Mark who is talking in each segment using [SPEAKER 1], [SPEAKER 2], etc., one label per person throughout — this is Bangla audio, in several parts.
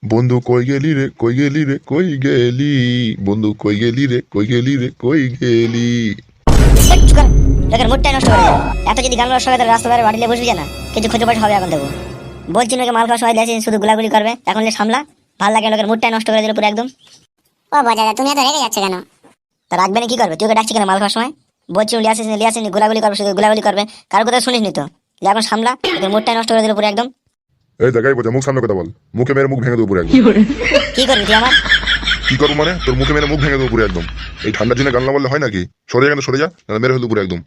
[SPEAKER 1] বন্ধু কই গেলি রে, কই গেলি রে, কই গেলি? বন্ধু কই গেলি রে, কই গেলি রে, কই গেলি?
[SPEAKER 2] লোকের মুডটাই নষ্ট করে দেয়। এত যদি গান নষ্ট করে রাস্তা ধারে বাড়িলে বসবি না, কিছু খুঁজে পাশ হবে এখন দেবো। বলছি নাকি মাল খাওয়ার সময় দেখছি শুধু গুলাগুলি করবে, এখন সামলা। ভাল লাগে লোকের মুডটাই নষ্ট করে দিল পুরো একদম।
[SPEAKER 3] ও বাজাদা, তুমি এত রেগে যাচ্ছে কেন?
[SPEAKER 2] তা রাখবে না কি করবে? তুই ওকে ডাকছি কেন মাল খাওয়ার সময়? বলছি লিয়াসিস গুলাগুলি করবে, শুধু গুলাগুলি করবে, কারোর কথা শুনিস নি তো? এখন সামলা, লোকের মুডটাই নষ্ট করে দিল পুরো একদম।
[SPEAKER 1] এই দেখাই বোঝা, মুখ সামনে কথা বল। মুখে মেরে মুখ ভেঙে দেবো পুরো একদম।
[SPEAKER 2] কি করবি তুই আমার?
[SPEAKER 1] কি করবো মানে? তোর মুখে মেরে মুখ ভেঙে দেবো পুরো একদম। এই ঠান্ডার দিনে গান না বললে হয় নাকি? সরে যা, সরে যা, নাহলে মেরে ফেলবো পুরো একদম।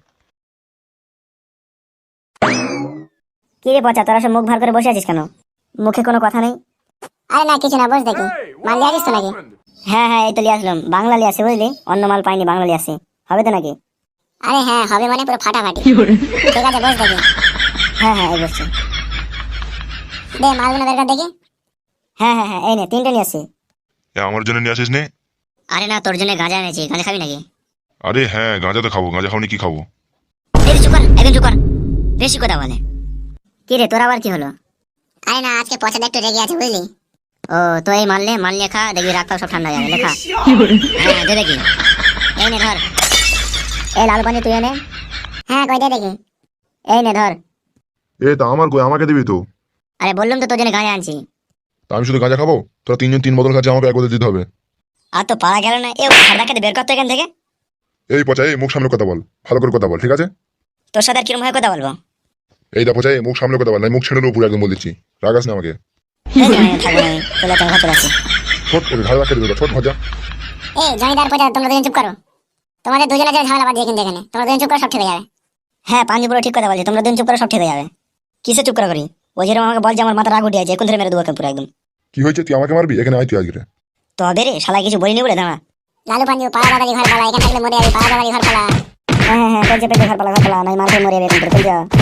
[SPEAKER 2] কি রে পচা, তোরা সব মুখ ভার করে বসে আছিস কেন? মুখে কোনো কথা নেই?
[SPEAKER 3] আরে না, কিছু না, বস দেখি। মাল লিয়ে আসিস তো নাকি?
[SPEAKER 2] হ্যাঁ, এই তো লিয়ে আসলাম। বাংলা লিয়ে আসি বুঝলি, অন্য মাল পাইনি, বাংলা লিয়ে আসি। হবে তো নাকি?
[SPEAKER 3] আরে হ্যাঁ, হবে মানে পুরো ফাটাফাটি। ঠিক আছে, বস দেখি।
[SPEAKER 2] হ্যাঁ, এই বসছি।
[SPEAKER 3] দে মালগুলো বের কর দেখি।
[SPEAKER 2] হ্যাঁ, এই নে, 3টে নিয়ে আসি।
[SPEAKER 1] আমার জন্য নিয়ে আসিস নে?
[SPEAKER 2] আরে না, তোর জন্য গাঁজা এনেছি, গাঁজা খাবি নাকি?
[SPEAKER 1] আরে হ্যাঁ, গাঁজা তো খাবো। গাঁজা খাওনি কি খাবো?
[SPEAKER 2] এই চুপ কর, একদম চুপ কর, বেশি কথা বলে। কি রে, তোর আবার কি হলো?
[SPEAKER 3] আরে না, আজকে পছন্দ একটু রেগে আছে বুঝলি।
[SPEAKER 2] ও তো এই মাল নিয়ে খা, দেখবি রাগ সব ঠান্ডা হয়ে যাবে। লেখা হ্যাঁ, দে দেখি। এই নে ধর, এই লাল পানি তুই এনে।
[SPEAKER 3] হ্যাঁ, কই দে দেখি।
[SPEAKER 2] এই নে ধর।
[SPEAKER 1] এ তা আমার কই, আমাকে দিবি তো?
[SPEAKER 2] আরে বললাম তো তোর জন্য গাঁজা আনছি।
[SPEAKER 1] তা আমি শুধু গাঁজা খাবো? তোরা 3 জন 3 বোতল খাচ্ছে, আমাকে 1 বোতল দিতে হবে।
[SPEAKER 2] আর তো পারা গেল না। সারদাকে বের করতো এখান থেকে।
[SPEAKER 1] এই পচা, এই মুখ সামনে কথা বল, ভালো করে কথা বল, ঠিক আছে?
[SPEAKER 2] তোর সাথে আর কিরম ভাবে কথা বলবো?
[SPEAKER 1] এই দা পচা, এই মুখ সামনে কথা বল, না মুখ ছেড়ে দেবো পুরো একদম, বল দিচ্ছি। রাগাস না আমাকে।
[SPEAKER 2] থাকবো না, চলে ঘর চলে আসি।
[SPEAKER 1] ছোট ওকে ঘাড় রাখতে দেবে, ছোট ভজা।
[SPEAKER 3] এই জমিদার পচা, তোমরা দুজন চুপ করো। তোমাদের দুজনের যে ঝামেলা বাদ কিন্তু এখানে, তোমরা দুজন চুপ করো, সব ঠিক হয়ে যাবে।
[SPEAKER 2] হ্যাঁ, পাঞ্জি পুরো ঠিক কথা বলছে, তোমরা দিন চুপ করে সব ঠিক হয়ে যাবে। কিসে চুপ করে করি? ওই যেরকম আমাকে বল যে আমার মাথা রাগ উঠে আছে, এখন ধরে মেরে দেবো পুরো একদম।
[SPEAKER 1] কি হয়েছে? তুই আমাকে মারবি? এখানে আয় তুই আজকে।
[SPEAKER 2] তবে রে শালা কিছু বলিনি বলে দাঁড়া।
[SPEAKER 3] লালু পাঞ্জু, পাড়া দাদারি ঘর পালা, এখানে থাকলে মরে যাবি। পাড়া দাদারি ঘর পালা।
[SPEAKER 2] হ্যাঁ, পেঁচে ঘর পালা, নাই মার খেয়ে মরে যাবে এখন তোর, চল যা।